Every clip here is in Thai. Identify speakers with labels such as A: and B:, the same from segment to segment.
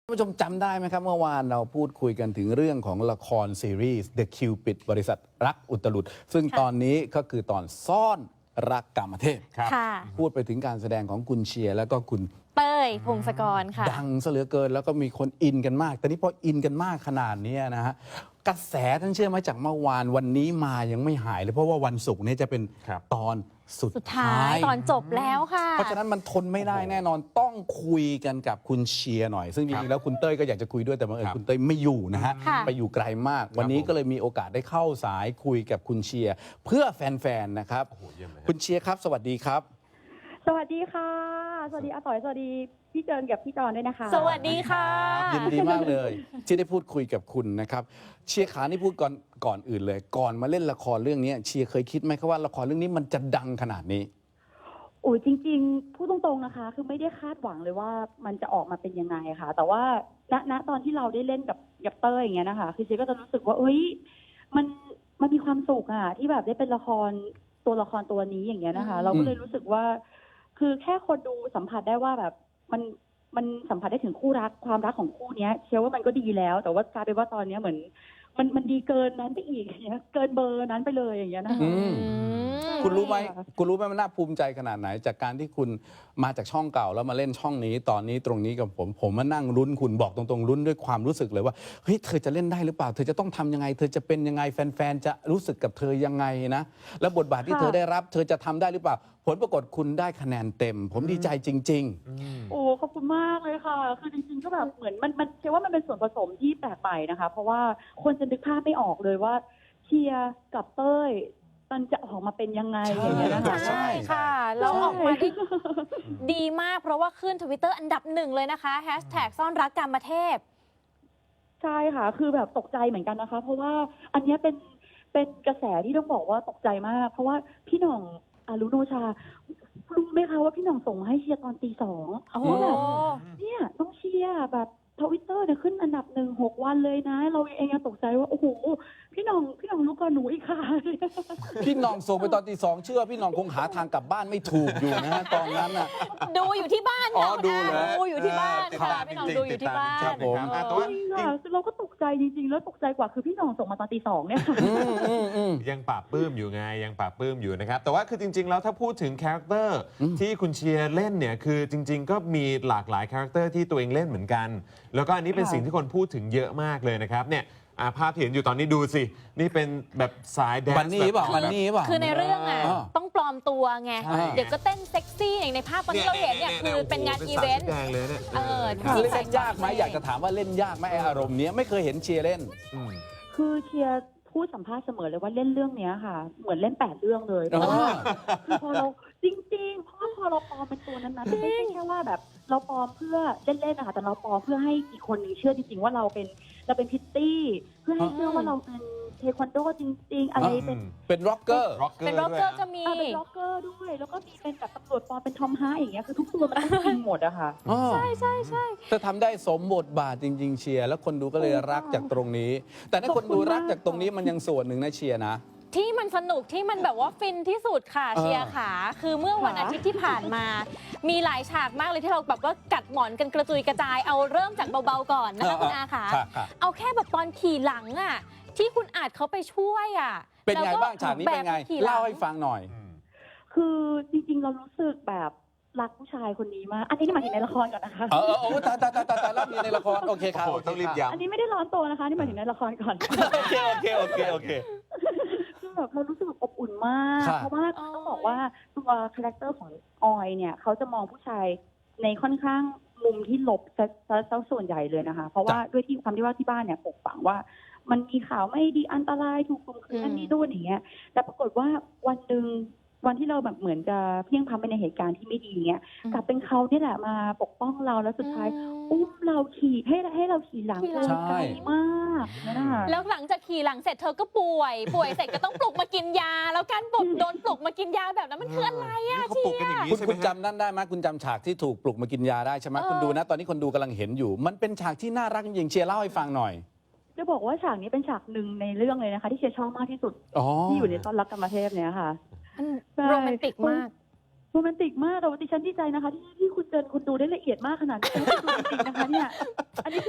A: ท่านผู้ชมจำได้ไหมครับเมื่อวานเราพูดคุยกันถึงเรื่องของละครซีรีส์ The Cupid บริษัทรักอุตลุดซึ่งตอนนี้ก็คือตอนซ่อนรักกามเทพ
B: ค่ะ
A: พูดไปถึงการแสดงของคุณเชียร์แล้วก็คุณ
B: เต้ยพงศกรค่ะ
A: ดังซะเหลือเกินแล้วก็มีคนอินกันมาก แต่นี่พออินกันมากขนาดนี้นะฮะกระแสท่านเชื่อไหมจากเมื่อวานวันนี้มายังไม่หายเลยเพราะว่าวันศุกร์นี้จะเป็นตอนสุด
B: ท้ายตอนจบแล้วค่ะ
A: เพราะฉะนั้นมันทนไม่ได้แน่นอนต้องคุยกันกับคุณเชียร์หน่อยซึ่งจริงๆแล้วคุณเต้ยก็อยากจะคุยด้วยแต่บังเอิญคุณเต้ยไม่อยู่นะฮะ
B: ค่ะ
A: ไปอยู่ไกลมาก วันนี้ก็เลยมีโอกาสได้เข้าสายคุยกับคุณเชียร์เพื่อแฟนๆนะครับคุณเชียร์ครับสวัสดีครับ
C: สวัสดีค่ะ สวัสดีอาต่อย สวัสดีพี่เจินกับพี่จอนด้วยนะคะ
B: สวัสดีค่ะ
A: ยินดีมากเลยที่ได้พูดคุยกับคุณนะครับเชียร์ขานี่พูดก่อนอื่นเลย ก่อนมาเล่นละครเรื่องนี้เชียร์เคยคิดไหมครับว่าละครเรื่องนี้มันจะดังขนาดนี้
C: โอ้ยจริงๆพูดตรงๆนะคะ คือไม่ได้คาดหวังเลยว่ามันจะออกมาเป็นยังไงค่ะ แต่ว่าณตอนที่เราได้เล่นกับเต้ยอย่างเงี้ยนะคะคือเชียร์ก็จะรู้สึกว่าเอ้ยมันมีความสุขอะที่แบบได้เป็นตัวละครตัวนี้อย่างเงี้ยนะคะ เราก็เลยรู้สึกว่า คือแค่คนดูสัมผัสได้ว่าแบบมันสัมผัสได้ถึงคู่รักความรักของคู่เนี้ยเชื่อว่ามันก็ดีแล้ว แต่ว่ากลายเป็นว่าตอนเนี้ยเหมือนมันดีเกินนั้นไปอีกอย่างเงี้ยเกินเบอร์นั้นไปเลยอย่างเงี้ยนะคะ
A: คุณรู้ไหมมันน่าภูมิใจขนาดไหนจากการที่คุณมาจากช่องเก่าแล้วมาเล่นช่องนี้ตอนนี้ตรงนี้กับผมมานั่งลุ้นคุณบอกตรงๆลุ้นด้วยความรู้สึกเลยว่าเฮ้ยเธอจะเล่นได้หรือเปล่าเธอจะต้องทำยังไงเธอจะเป็นยังไงแฟนๆจะรู้สึกกับเธอยังไงนะแล้วบทบาทที่เธอได้รับเธอจะทำได้หรือเปล่าผลปรากฏคุณได้คะแนนเต็ม ผมดีใจจริงๆ
C: โอ้ขอบคุณมากเลยค่ะ คือจริงๆก็แบบเหมือนมันเชื่อว่ามันเป็นส่วนผสมที่แปลกใหม่นะคะ เพราะว่าคนจะนึกภาพไม่ออกเลยว่าเชียร์กับเต้ยมันจะออกมาเป็นยังไงอย่างเงี้ยนะคะ
B: ใช่ค่ะแล้วออกมาได้ดีมากเพราะว่าขึ้น Twitter อันดับหนึ่งเลยนะคะแฮชแท็กซ่อนรักกามเทพ
C: ใช่ค่ะ คือแบบตกใจเหมือนกันนะคะ เพราะว่าอันเนี้ยเป็นกระแสที่ต้องบอกว่าตกใจมาก เพราะว่าพี่หน่องอารุโนชารู้ไหมคะว่าพี่หน่องส่งให้เชียร์ตอนตี 2ว่าแบบเนี่ยต้องเชียร์แบบTwitter เนี่ยขึ้นอันดับ6 วันเลยนะ เราเองยังตกใจว่าโอ้โหพี่หน่องรู้ก่อนหนูอีกค่ะ
A: พี่หน้องส่งไปตอนตี 2เชื่อพี่หน้องคงหาทางกลับบ้านไม่ถูกอยู่นะฮะตอนนั้นน่ะ
B: ดูอยู่ที่บ้าน
A: อ๋อ
B: ค่ะ
A: ดูเหรอ
B: ดูอยู่ที่บ้านค่ะพี่หน้องดูอยู่ที่บ้าน
A: ครับผม
C: จริงค่ะคือเราก็ตกใจจริงๆ แล้วตกใจกว่าคือพี่หน่องส่งมาตอนตี 2เนี่ยค่ะ
D: ยังปราบปลื้มอยู่ไงยังปราบปลื้มอยู่นะครับแต่ว่าคือจริงๆแล้วถ้าพูดถึงคาแรคเตอร์ที่คุณเชียร์เล่นเนี่ยคือจริงๆก็มีหลากหลายคาแรคเตอร์ที่ตัวเองเล่นเหมือนกัน แล้วก็อันนี้เป็น
C: ค่ะ
D: สิ่งที่คนพูดถึงเยอะมากเลยนะครับเนี่ยภาพที่เห็นอยู่ตอนนี้ดูสินี่เป็นแบบสายแดนซ์
A: บันนี่เปล่าบันนี่เปล่า
B: คือในเรื่องอ่ะ
A: อ่า
B: ต้องปลอมตัวไง
A: ใช่
B: เดี๋ยวก็เต้นเซ็กซี่อย่างในภาพตอนที่เราเห็นเนี่ยคือเป็นงานอีเวนต์
D: แดงเลยเนี่ย
B: ที่
A: เล่นยากไหมอยากจะถามว่าเล่นยากไหมไอ้อารมณ์เนี้ยไม่เคยเห็นเชียร์เล่น
C: คือเชียร์พูดสัมภาษณ์เสมอเลยว่าเล่นเรื่องเนี้ยค่ะ เหมือนเล่น8 เรื่องเลยเพราะว่าคือพอเราจริงๆเพราะว่าพอเราปลอมเป็นตัวนั้นๆไม่ใช่แค่ว่าแบบเราปลอมเพื่อเล่นๆนะคะแต่เราปลอมเพื่อให้อีกคนนึงเชื่อจริงๆว่าเราเป็นพิตตี้เพื่อให้เชื่อว่าเราเป็นเทควันโดจริงๆอะไรเป็น
A: ร็อกเกอร์
B: เป็นร็อกเกอร์ก็มี
C: เป็นล็อกเกอร์ด้วย แล้วก็มีเป็นแบบตำรวจปลอมเป็นทอมฮาร์อย่างเงี้ยคือทุกตัวมันต้องจริงหมดอะค่ะ
B: ใช่ใช่ใช่
A: เธอทำได้สมบทบาทจริง ๆ เชียร์แล้วคนดูก็เลยรักจากตรงนี้ แต่ถ้าคนดูรักจากตรงนี้มันยังส่วนหนึ่งนะเชียร์นะ
B: ที่มันสนุกที่มันแบบว่าฟินที่สุดค่ะเชียร์ขาคือเมื่อวันอาทิตย์ที่ผ่านมา มีหลายฉากมากเลยที่เราแบบว่ากัดหมอนกันกระจุยกระจายเอาเริ่มจากเบาๆก่อนนะคะคุณอาขา
A: ครับ
B: เอาแค่แบบตอนขี่หลังอ่ะที่คุณอาจเขาไปช่วยอ่ะ
A: เป็นไงบ้างฉากนี้เป็นไง
B: แบบขี่หลัง
A: เล่าให้ฟังหน่อย
C: คือจริงๆเรารู้สึกแบบรักผู้ชายคนนี้มาก อันนี้หมายถึงในละครก่อนนะคะ
A: ตายรับมีในละครโอเคครับ
D: โอ้โหต้องรีบย้ำ
C: อันนี้ไม่ได้ร้อนตัวนะคะ นี่หมายถึงในละครก่อน
A: โอเค
C: คือแบบเรารู้สึกแบบอบอุ่นมาก
A: ครับ
C: เพราะว่าต้องบอกว่าตัวคาแรคเตอร์ของออยเนี่ยเขาจะมองผู้ชายในค่อนข้างมุมที่ลบซะส่วนใหญ่เลยนะคะ เพราะว่าด้วยที่ความที่ว่าที่บ้านเนี่ยปกฝังว่ามันมีข่าวไม่ดีอันตรายถูกข่มขืนนั่นนี่ด้วยอย่างเงี้ย แต่ปรากฏว่าวันหนึ่งวันที่เราแบบเหมือนจะเพียงพล้ำไปในเหตุการณ์ที่ไม่ดีเงี้ยกลับเป็นเขาเนี่ยแหละมาปกป้องเราแล้วสุดท้ายอุ้มเราขี่ให้เราขี่หลังไกลมากนะคะ
B: แล้วหลังจากขี่หลังเสร็จเธอก็ป่วยเสร็จก็ต้องปลุกมากินยา แล้วการโดนปลุกมากินยาแบบนั้นมันคืออะไรอะ
D: เขา
B: เชี
D: ปลุกกันอย ย่าง
B: ร์
D: นี้
A: คุณ
D: ใช่ไหม
A: คุณจำนั่นได้ไหมคุณจำฉากที่ถูกปลุกมากินยาได้ใช่ไหมคุณดูนะตอนนี้คนดูกำลังเห็นอยู่ มันเป็นฉากที่น่ารักจริงๆเชียร์เล่าให้ฟังหน่อย
C: จะบอกว่าฉากนี้เป็นฉากหนึ่งในเรื่องเลยนะคะที่เชียร์ชอบมากที่สุด ที่อยู่ในซ่อนรักกรรมเทพเนี่ยค่ะ
B: โรแมนติกมาก
C: โรแมนติกมากแต่ว่าดิฉันดีใจนะคะที่คุณเจนคุณดูได้ละเอียดมากขนาดนี้คุณดูจริงๆนะคะเนี่ยอันนี้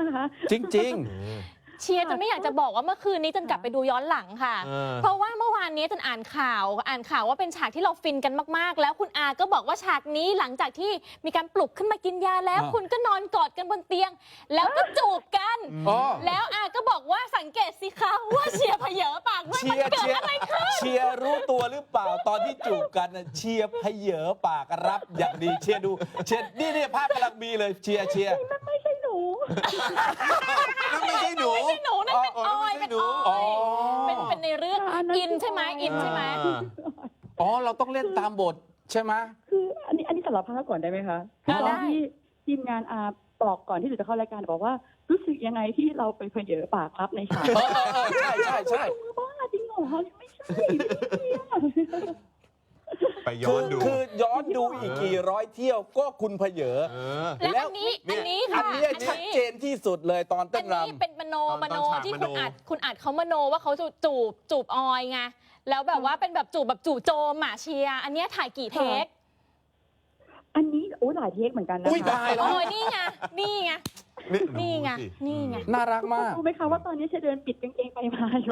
C: นะคะ
A: จริง
B: เชียร์จนไม่อยากจะบอกว่าเมื่อคืนนี้จนกลับไปดูย้อนหลังค่ะ เพราะว่าเมื่อวานนี้จนอ่านข่าวว่าเป็นฉากที่เราฟินกันมากๆ แล้วคุณอาก็บอกว่าฉากนี้หลังจากที่มีการปลุกขึ้นมากินยาแล้ว คุณก็นอนกอดกันบนเตียง แล้วก็จูบกัน
A: อ๋อ
B: แล้วอาก็บอกว่าสังเกตสิคะว่าเชียร์เผยปากด้วย
A: เชี
B: มัน
A: ยร์
B: เกิดอะไรขึ้น
A: เชียร์รู้ตัวหรือเปล่าตอนที่จูบกันน่ะเชียร์เพเยอปากรับอย่างดีเชียร์ดูเชียร์นี่ภาพกำลังมีเลยเชียร์
C: นั่นไม่ใช่หนู
D: นั่นไม่ใช่หนู
B: ไม่ใช่หนูนั่นเป็นออยเป็นอ
A: อ๋อ
B: อยเป็นในเรื่อง
C: อันนั้น
B: อินใช่ไหมอินใช่ไหม
A: อ๋อเราต้องเล่นตามบทใช่ไหม
C: คืออันนี้สารภาพก่อนได้ไหมคะคือตอนที่ทีมงานบอกก่อนที่หนูจะเข้ารายการบอกว่ารู้สึกยังไงที่เราไปเผยปากรับในฉาก
A: ใช่
C: บ้าจริงเหรอไม่ใช่ไม่ใช่
D: ไปย้อนดู
A: คือย้อนดูอีกกี่ร้อยเที่ยวก็คุณเพเยอ
B: แล้วอันนี้
A: อั
B: ค่ะ
A: นนี้ชัดเจนที่สุดเลยตอนเต้
B: อั
A: น
B: น
A: ร
B: นี้เป็นมโน
D: ตอนฉาก
B: ที่
D: ม
B: คุ
D: โน
B: ณอัดเขามโนว่าเขาจูบออยไงแล้วแบบว่าเป็นแบบจู่โจมหมาเชียร์อันเนี้ยถ่ายกี่เทค
C: อันนี้หลายเทคเหมือนกันนะ
A: อุ้ย
C: คะ
A: ตายแล้ว
B: โอ้ยนี่ไงนี่ไง นี่ไง
D: ดูสิ
B: นี่ไง
A: น่ารักมาก
C: รู้ไหมคะว่าตอนนี้เชเดินปิดกางเกงไปมาอยู่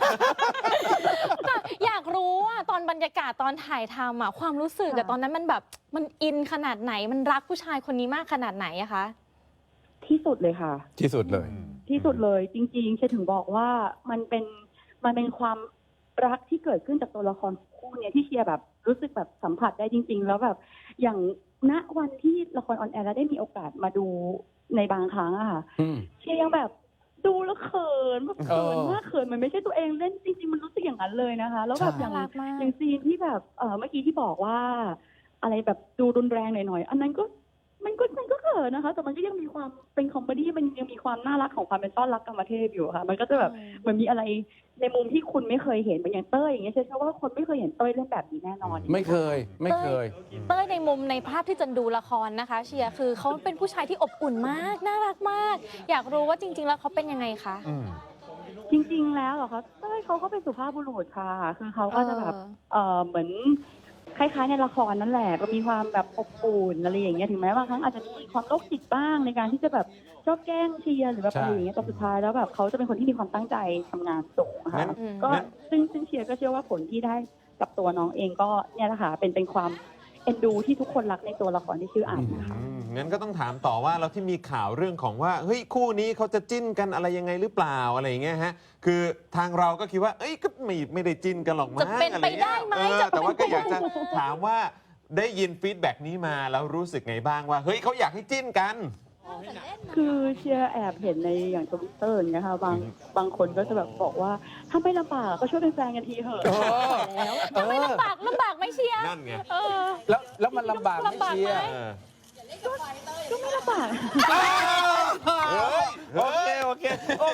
B: อยากรู้ว่าตอนบรรยากาศตอนถ่ายทำอะความรู้สึกอะ
C: ค่ะ
B: ตอนนั้นมันแบบมันอินขนาดไหนมันรักผู้ชายคนนี้มากขนาดไหนอะคะ
C: ที่สุดเลยค่ะ
A: ที่สุดเลย
C: ที่สุดเลยจริงๆเชถึงบอกว่ามันเป็นความรักที่เกิดขึ้นจากตัวละครคู่เนี้ยที่เชียร์แบบรู้สึกแบบสัมผัสได้จริง ๆ แล้วแบบอย่างณวันที่ละครออนแอร์แล้วได้มีโอกาสมาดูในบางครั้งอะค่ะ
A: อืม
C: เชียร์ยังแบบดูแล้วเขินแบบเขิน
A: เออ
C: มากเขินมันไม่ใช่ตัวเองเล่นจริงๆมันรู้สึกอย่างนั้นเลยนะคะ แล้วแบบ
A: ใช่
C: อย่าง
B: น่ารักมาก
C: อย่างซีนที่แบบเมื่อกี้ที่บอกว่า อะไรแบบดูรุนแรงหน่อยๆอันนั้นก็มันก็เขินนะคะ แต่มันก็ยังมีความเป็นคอมเมดี้มันยังมีความน่ารักของความเป็นต้อนรักกรรมเทพอยู่ค่ะ มันก็จะแบบเหมือนมีอะไรในมุมที่คุณไม่เคยเห็นเหมือนอย่างเต้ยอย่างเงี้ยเชื่อว่าคนไม่เคยเห็นเต้ยเล่นแบบนี้แน่นอน
A: ไม่เคย
B: เต้ยในมุมในภาพที่จันดูละครนะคะ เชียร์คือเขาเป็นผู้ชายที่อบอุ่นมากน่ารักมาก อยากรู้ว่าจริง ๆ แล้วเขาเป็นยังไงคะ
C: จริงๆแล้วเหรอคะเต้ยเขาก็เป็นสุภาพบุรุษค่ะคือเขาก็จะแบบเหมือนคล้ายๆในละครนั่นแหละก็มีความแบบอบอุ่นอะไรอย่างเงี้ยถึงแม้ว่าครั้งอาจจะมีความโรคจิตบ้างในการที่จะแบบชอบแกล้งเชียร์หรือแบบอะไรอย่างเงี้ยแต่สุดท้ายแล้วแบบเขาจะเป็นคนที่มีความตั้งใจทำงานสูงอะ
D: งั้
C: ค่ะ
D: น
C: ก็ซึ่งเชียร์ก็เชื่อว่าผลที่ได้กับตัวน้องเองก็เนี่ยแหละค่ะเป็นความเอ็นดูที่ทุกคนรักในตัวละครที่ชื่ออ่านนะคะ
D: งั้นก็ต้องถามต่อว่าเราที่มีข่าวเรื่องของว่าเฮ้ยคู่นี้เขาจะจิ้นกันอะไรยังไงหรือเปล่าอะไรอย่างเงี้ยฮะคือทางเราก็คิดว่าเอ้ยก็ไม่ได้จิ้นกันหรอกมั้ง
B: จะเป็นไปได้ไหม
D: อะรเงี้ย
B: จะเป็น
D: แต่ว่าก็อยากจะถามว่าได้ยินฟีดแบ็กนี้มาแล้วรู้สึกไงบ้างว่าเฮ้ยเขาอยากให้จิ้นกัน
C: คือเชียร์แอบเห็นในอย่างทวิตเตอร์อย่างเงี้ยค่ะบางคนก็จะแบบบอกว่าถ้าไม่ลำบากก็ช่วยเป็นแฟนกันทีเถอะแล้ว
B: ไม่ลำบากไหมเชียร์
D: นั่นไง
B: เออ
A: แล้วมันลำบากไหมเชียร์
D: เออ
C: ก็ไม่ลำบาก
A: โอเค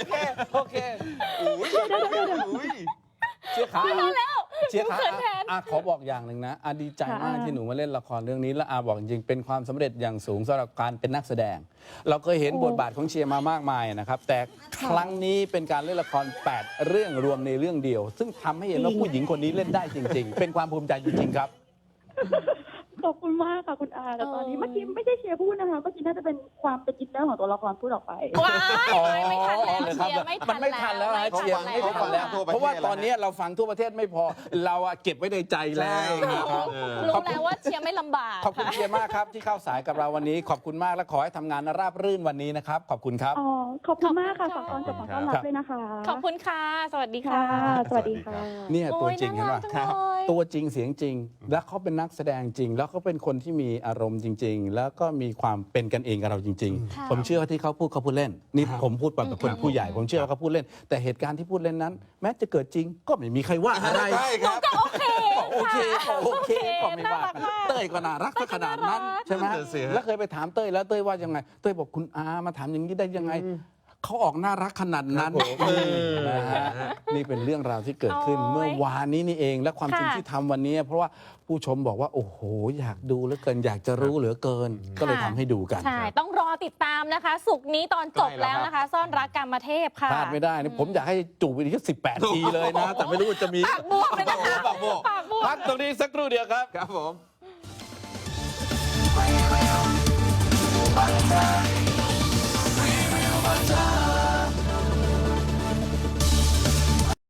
A: อุ้ย
D: อุ้ย
A: เชียร์ขา
B: แล้ว
A: เชียร์ขา
B: เขินแทน
A: ขอบอกอย่างหนึ่งนะดีใจมากที่หนูมาเล่นละครเรื่องนี้และบอกจริงๆเป็นความสำเร็จอย่างสูงสำหรับการเป็นนักแสดง เราเคยเห็นบทบาทของเชียร์มามากมายนะครับแต่ครั้งนี้เป็นการเล่นละคร8เรื่องรวมในเรื่องเดียว ซึ่งทำให้เห็นว่าผู้หญิงคนนี้เล่นได้จริง ๆ เป็นความภูมิใจจริงๆครับ
C: ขอบคุณมากค่ะคุณอาแต่ตอนนี้เมื่อกี้ไม่ใช่เชียร์พูดนะคะเมื่อกี้น่าจะเป็นความเป็นอินเนอร์ของตัวละครพูดออกไป
B: ว้ายไม่ทันแล้วเชียร์ไม่ทัน
A: มันไม่ทันแล้วนะเชียร์ไม่ทันแล้ว
D: ทั่วประเทศ
A: เพราะว่าตอนนี้เราฟังทั่วประเทศไม่พอเราอะเก็บไว้ในใจแล้วนะครับ
B: รู้แล้วว่าเชียร์ไม่ลำบาก
A: ขอบคุณ
B: ค่ะ
A: เชียร์มากครับที่เข้าสายกับเราวันนี้ขอบคุณมากและขอให้ทำงานราบรื่นวันนี้นะครับขอบคุณครับ
C: อ๋อ ขอบคุณมากค่ะฝากตอนกับฝากต้อนรับด้วยนะคะ
B: ขอบคุณค่ะ สวัสดีค่ะ
C: ค่ะ สวัสดีค่ะ
A: เนี่ยตัวจริง
B: โอ้ย
A: เห็นป่ะ
B: น่ารักจังเลย
A: ตัวจริงเสียงจริง แล้วเขาเป็นนักแสดงจริง แล้วเขาเป็นคนที่มีอารมณ์จริง ๆ แล้วก็มีความเป็นกันเองกับเราจริง
B: ค่ะ
A: ๆ ผมเชื่อว่าที่เขาพูดเล่นนี่ผมพูดแบบคนผู้ใหญ่ ผมเชื่อว่าเขาพูดเล่น แต่เหตุการณ์ที่พูดเล่นนั้น แม้จะเกิดจริง ก็ไม่มีใครว่าอะไร
D: ใช่ครับ
B: ก็โอเค
A: โอเคก็ไม่ว่า
B: น่ารัก
A: กัน
B: มาก
A: เต้ยก็น่ารักซะขนาดนั้นใช่ไหม
D: นั่นน่ะสิฮะ
A: แล้วเคยไปถามเต้ยแล้วเต้ยว่ายังไงเต้ยบอกคุณอามาถามอย่างนี้ได้ยังไงเขาออกน่ารักขนาดนั้นนะฮะนี่เป็นเรื่องราวที่เกิดขึ้น
B: โอ้ย
A: เมื่อวานนี้นี่เองและความจริง
B: ค่ะ
A: ที่ทำวันนี้ เพราะว่าผู้ชมบอกว่าโอ้โหอยากดูเหลือเกินอยากจะรู้เหลือเกิน ก็เลยทำให้ดูกัน
B: ใช่ ต้องรอติดตามนะคะ สุกร์นี้ตอนจบแล้วนะคะ ซ่อนรักกรรมเทพค่ะ
A: พลาดไม่ได้นะผมอยากให้จูบอีก18 ทีเลยนะ แต่ไม่รู้ว่าจะมี
B: ปากบวมเลยนะคะ
D: ปากบวม
B: ปากบวม
A: พักตรงนี้สักครู่เดียวครับ
D: ครับผม
E: Bye.